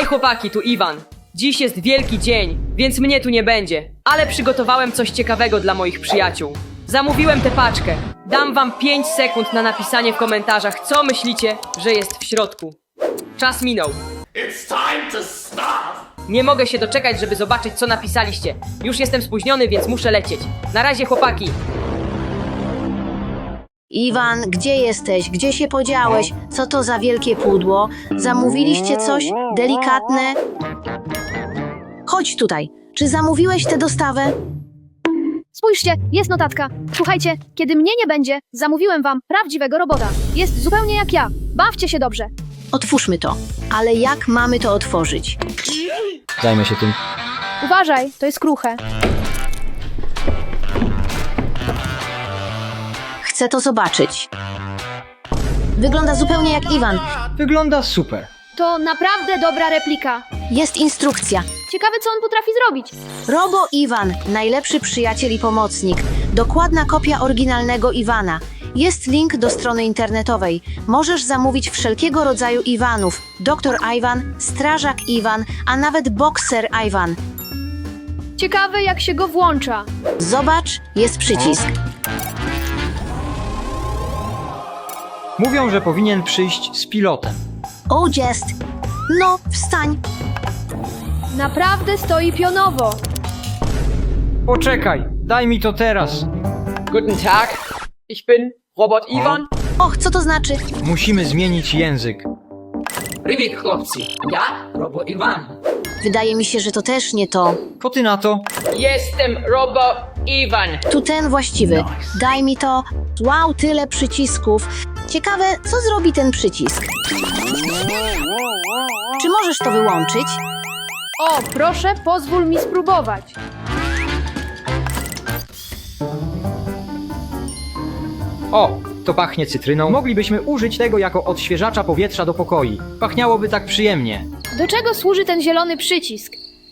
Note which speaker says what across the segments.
Speaker 1: Hej chłopaki, tu Iwan. Dziś jest wielki dzień, więc mnie tu nie będzie. Ale przygotowałem coś ciekawego dla moich przyjaciół. Zamówiłem tę paczkę. Dam wam 5 sekund na napisanie w komentarzach, co myślicie, że jest w środku. Czas minął.
Speaker 2: It's time to stop!
Speaker 1: Nie mogę się doczekać, żeby zobaczyć, co napisaliście. Już jestem spóźniony, więc muszę lecieć. Na razie chłopaki.
Speaker 3: Iwan, gdzie jesteś? Gdzie się podziałeś? Co to za wielkie pudło? Zamówiliście coś delikatne? Chodź tutaj. Czy zamówiłeś tę dostawę?
Speaker 4: Spójrzcie, jest notatka. Słuchajcie, kiedy mnie nie będzie, zamówiłem wam prawdziwego robota. Jest zupełnie jak ja. Bawcie się dobrze.
Speaker 3: Otwórzmy to. Ale jak mamy to otworzyć?
Speaker 5: Zajmę się tym.
Speaker 4: Uważaj, to jest kruche.
Speaker 3: Chcę to zobaczyć. Wygląda zupełnie jak Iwan.
Speaker 5: Wygląda super.
Speaker 4: To naprawdę dobra replika.
Speaker 3: Jest instrukcja.
Speaker 4: Ciekawe, co on potrafi zrobić.
Speaker 3: Robo Iwan, najlepszy przyjaciel i pomocnik. Dokładna kopia oryginalnego Iwana. Jest link do strony internetowej. Możesz zamówić wszelkiego rodzaju Iwanów. Doktor Iwan, strażak Iwan, a nawet bokser Iwan.
Speaker 4: Ciekawe, jak się go włącza.
Speaker 3: Zobacz, jest przycisk.
Speaker 5: Mówią, że powinien przyjść z pilotem.
Speaker 3: O, jest. No, wstań.
Speaker 4: Naprawdę stoi pionowo.
Speaker 5: Poczekaj, daj mi to teraz.
Speaker 1: Guten Tag. Ich bin Robot Iwan.
Speaker 3: Och, co to znaczy?
Speaker 5: Musimy zmienić język.
Speaker 6: Привіт, хлопці! Я Робо Іван.
Speaker 3: Wydaje mi się, że to też nie to.
Speaker 5: Co ty na to?
Speaker 1: Jestem Robot Iwan.
Speaker 3: Tu ten właściwy. Daj mi to. Wow, tyle przycisków. Ciekawe, co zrobi ten przycisk? Czy możesz to wyłączyć?
Speaker 4: O, proszę, pozwól mi spróbować.
Speaker 5: O, to pachnie cytryną. Moglibyśmy użyć tego jako odświeżacza powietrza do pokoi. Pachniałoby tak przyjemnie.
Speaker 4: Do czego służy ten zielony przycisk?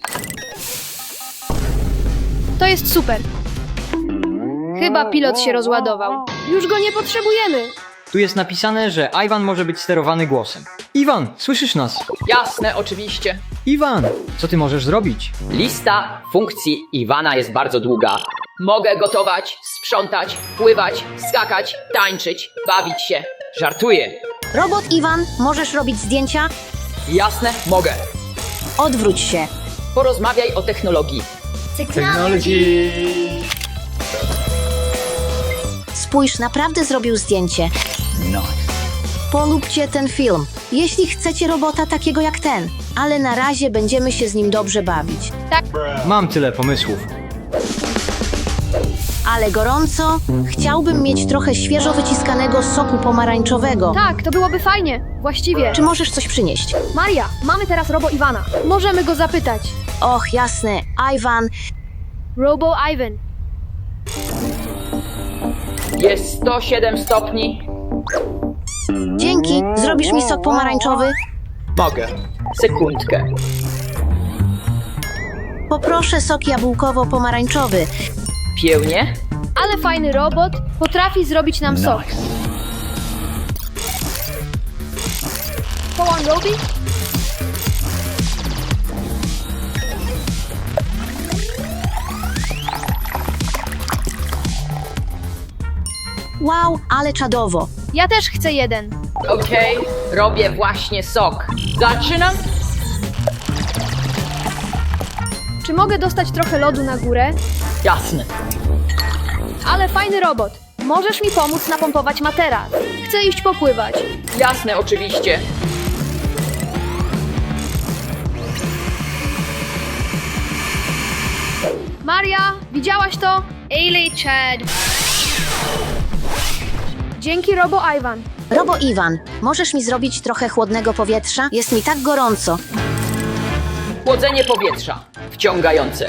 Speaker 4: To jest super. Chyba pilot się rozładował. Już go nie potrzebujemy.
Speaker 5: Tu jest napisane, że Iwan może być sterowany głosem. Iwan, słyszysz nas?
Speaker 7: Jasne, oczywiście.
Speaker 5: Iwan, co ty możesz zrobić?
Speaker 7: Lista funkcji Iwana jest bardzo długa. Mogę gotować, sprzątać, pływać, skakać, tańczyć, bawić się. Żartuję.
Speaker 3: Robot Iwan, możesz robić zdjęcia?
Speaker 7: Jasne, mogę.
Speaker 3: Odwróć się.
Speaker 7: Porozmawiaj o technologii.
Speaker 3: Spójrz, naprawdę zrobił zdjęcie. Polubcie ten film, jeśli chcecie robota takiego jak ten. Ale na razie będziemy się z nim dobrze bawić.
Speaker 5: Mam tyle pomysłów.
Speaker 3: Ale gorąco, chciałbym mieć trochę świeżo wyciskanego soku pomarańczowego.
Speaker 4: Tak, to byłoby fajnie. Właściwie.
Speaker 3: Czy możesz coś przynieść?
Speaker 4: Maria, mamy teraz Robo Iwana. Możemy go zapytać.
Speaker 3: Och, jasne, Iwan.
Speaker 4: Robo Iwan.
Speaker 7: Jest 107 stopni.
Speaker 3: Dzięki, zrobisz mi sok pomarańczowy?
Speaker 7: Mogę. Sekundkę.
Speaker 3: Poproszę sok jabłkowo-pomarańczowy.
Speaker 7: Piełnie?
Speaker 4: Ale fajny robot potrafi zrobić nam sok. Go on, Robi.
Speaker 3: Wow, ale czadowo.
Speaker 4: Ja też chcę jeden.
Speaker 7: Okej, robię właśnie sok. Zaczynam?
Speaker 4: Czy mogę dostać trochę lodu na górę?
Speaker 7: Jasne.
Speaker 4: Ale fajny robot. Możesz mi pomóc napompować materac. Chcę iść popływać.
Speaker 7: Jasne, oczywiście.
Speaker 4: Maria, widziałaś to? Ailey Chad. Dzięki, Robo Iwan.
Speaker 3: Robo Iwan, możesz mi zrobić trochę chłodnego powietrza? Jest mi tak gorąco.
Speaker 7: Chłodzenie powietrza. Wciągające.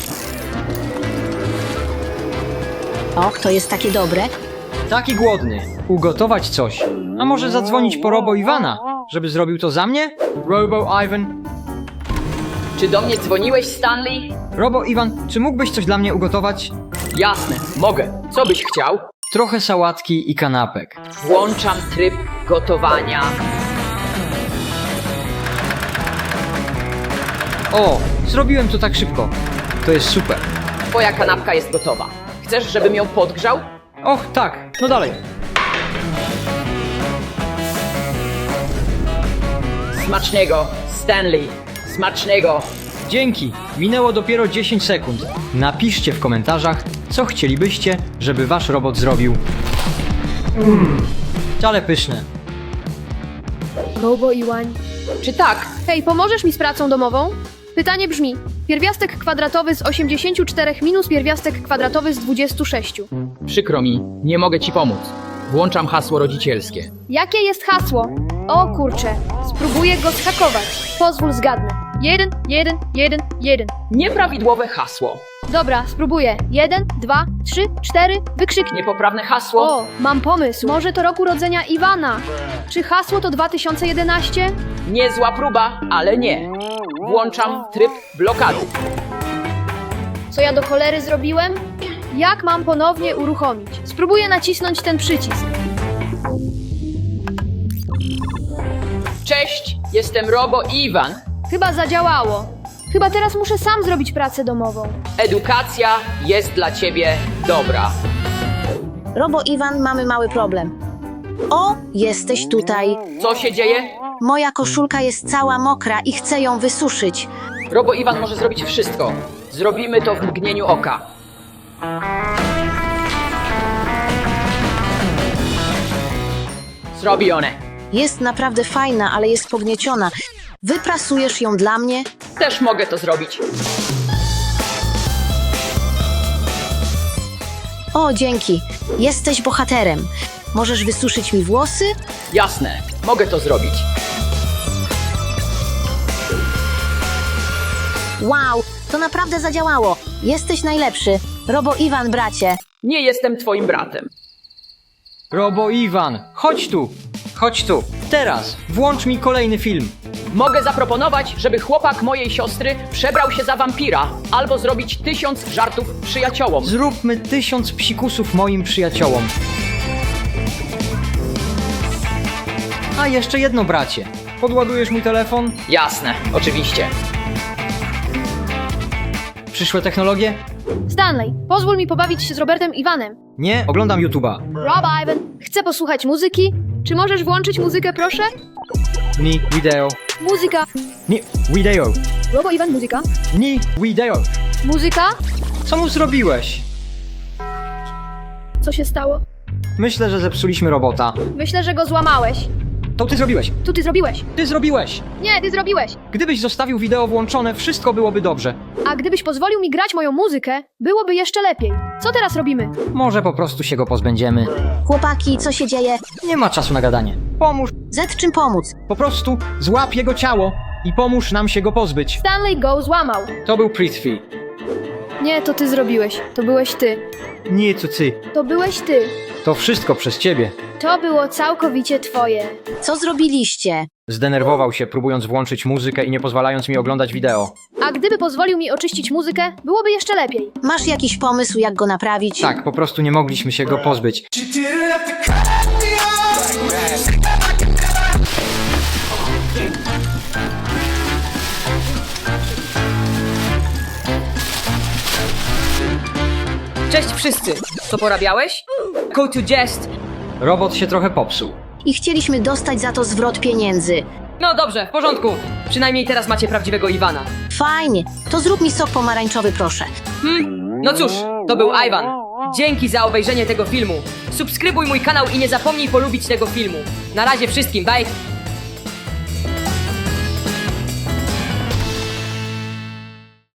Speaker 3: Och, to jest takie dobre.
Speaker 5: Taki głodny. Ugotować coś. A może zadzwonić po Robo Iwana, żeby zrobił to za mnie? Robo Iwan.
Speaker 7: Czy do mnie dzwoniłeś, Stanley?
Speaker 5: Robo Iwan, czy mógłbyś coś dla mnie ugotować?
Speaker 7: Jasne, mogę. Co byś chciał?
Speaker 5: Trochę sałatki i kanapek.
Speaker 7: Włączam tryb gotowania.
Speaker 5: O, zrobiłem to tak szybko. To jest super.
Speaker 7: Twoja kanapka jest gotowa. Chcesz, żebym ją podgrzał?
Speaker 5: Och, tak, no dalej.
Speaker 7: Smacznego, Stanley. Smacznego.
Speaker 5: Dzięki. Minęło dopiero 10 sekund. Napiszcie w komentarzach, co chcielibyście, żeby wasz robot zrobił. Ale pyszne.
Speaker 4: Robo Iwań.
Speaker 7: Czy tak?
Speaker 4: Hej, pomożesz mi z pracą domową? Pytanie brzmi: pierwiastek kwadratowy z 84 minus pierwiastek kwadratowy z 26.
Speaker 6: Przykro mi, nie mogę ci pomóc. Włączam hasło rodzicielskie.
Speaker 4: Jakie jest hasło? O kurczę, spróbuję go zhakować. Pozwól zgadnę. 1, 1, 1, 1.
Speaker 7: Nieprawidłowe hasło.
Speaker 4: Dobra, spróbuję. 1, 2, 3, 4, wykrzyknik.
Speaker 7: Niepoprawne hasło.
Speaker 4: O, mam pomysł. Może to roku urodzenia Iwana. Czy hasło to 2011?
Speaker 7: Niezła próba, ale nie. Włączam tryb blokady.
Speaker 4: Co ja do cholery zrobiłem? Jak mam ponownie uruchomić? Spróbuję nacisnąć ten przycisk.
Speaker 7: Cześć, jestem Robo Iwan.
Speaker 4: Chyba zadziałało. Chyba teraz muszę sam zrobić pracę domową.
Speaker 7: Edukacja jest dla ciebie dobra.
Speaker 3: Robo Iwan, mamy mały problem. O, jesteś tutaj.
Speaker 7: Co się dzieje?
Speaker 3: Moja koszulka jest cała mokra i chcę ją wysuszyć.
Speaker 7: Robo Iwan może zrobić wszystko. Zrobimy to w mgnieniu oka. Zrobione.
Speaker 3: Jest naprawdę fajna, ale jest pognieciona. Wyprasujesz ją dla mnie?
Speaker 7: Też mogę to zrobić.
Speaker 3: O, dzięki. Jesteś bohaterem. Możesz wysuszyć mi włosy?
Speaker 7: Jasne, mogę to zrobić.
Speaker 3: Wow, to naprawdę zadziałało. Jesteś najlepszy. Robo Iwan, bracie.
Speaker 7: Nie jestem twoim bratem.
Speaker 5: Robo Iwan, chodź tu. Chodź tu. Teraz włącz mi kolejny film.
Speaker 7: Mogę zaproponować, żeby chłopak mojej siostry przebrał się za wampira, albo zrobić 1000 żartów przyjaciołom.
Speaker 5: Zróbmy 1000 psikusów moim przyjaciołom. A jeszcze jedno, bracie. Podładujesz mój telefon?
Speaker 7: Jasne, oczywiście.
Speaker 5: Przyszłe technologie?
Speaker 4: Stanley, pozwól mi pobawić się z Robertem Iwanem.
Speaker 5: Nie, oglądam YouTube'a.
Speaker 4: Rob Iwan, chcę posłuchać muzyki. Czy możesz włączyć muzykę, proszę?
Speaker 5: Ni wideo.
Speaker 4: Muzyka.
Speaker 5: Ni wideo.
Speaker 4: Robo Iwan, muzyka.
Speaker 5: Ni wideo.
Speaker 4: Muzyka?
Speaker 5: Co mu zrobiłeś?
Speaker 4: Co się stało?
Speaker 5: Myślę, że zepsuliśmy robota.
Speaker 4: Myślę, że go złamałeś.
Speaker 5: To ty zrobiłeś.
Speaker 4: Tu ty zrobiłeś.
Speaker 5: Ty zrobiłeś.
Speaker 4: Nie, ty zrobiłeś.
Speaker 5: Gdybyś zostawił wideo włączone, wszystko byłoby dobrze.
Speaker 4: A gdybyś pozwolił mi grać moją muzykę, byłoby jeszcze lepiej. Co teraz robimy?
Speaker 5: Może po prostu się go pozbędziemy.
Speaker 3: Chłopaki, co się dzieje?
Speaker 5: Nie ma czasu na gadanie. Pomóż.
Speaker 3: Z czym pomóc?
Speaker 5: Po prostu złap jego ciało i pomóż nam się go pozbyć.
Speaker 4: Stanley go złamał.
Speaker 5: To był Prithvi.
Speaker 4: Nie, to ty zrobiłeś. To byłeś ty.
Speaker 5: Nie, to ty.
Speaker 4: To byłeś ty.
Speaker 5: To wszystko przez ciebie.
Speaker 4: To było całkowicie twoje.
Speaker 3: Co zrobiliście?
Speaker 5: Zdenerwował się, próbując włączyć muzykę i nie pozwalając mi oglądać wideo.
Speaker 4: A gdyby pozwolił mi oczyścić muzykę, byłoby jeszcze lepiej.
Speaker 3: Masz jakiś pomysł, jak go naprawić?
Speaker 5: Tak, po prostu nie mogliśmy się go pozbyć.
Speaker 1: Cześć wszyscy! Co porabiałeś? Go to jest!
Speaker 5: Robot się trochę popsuł.
Speaker 3: I chcieliśmy dostać za to zwrot pieniędzy.
Speaker 1: No dobrze, w porządku. Przynajmniej teraz macie prawdziwego Iwana.
Speaker 3: Fajnie. To zrób mi sok pomarańczowy, proszę.
Speaker 1: No cóż, to był Iwan. Dzięki za obejrzenie tego filmu. Subskrybuj mój kanał i nie zapomnij polubić tego filmu. Na razie wszystkim, bye!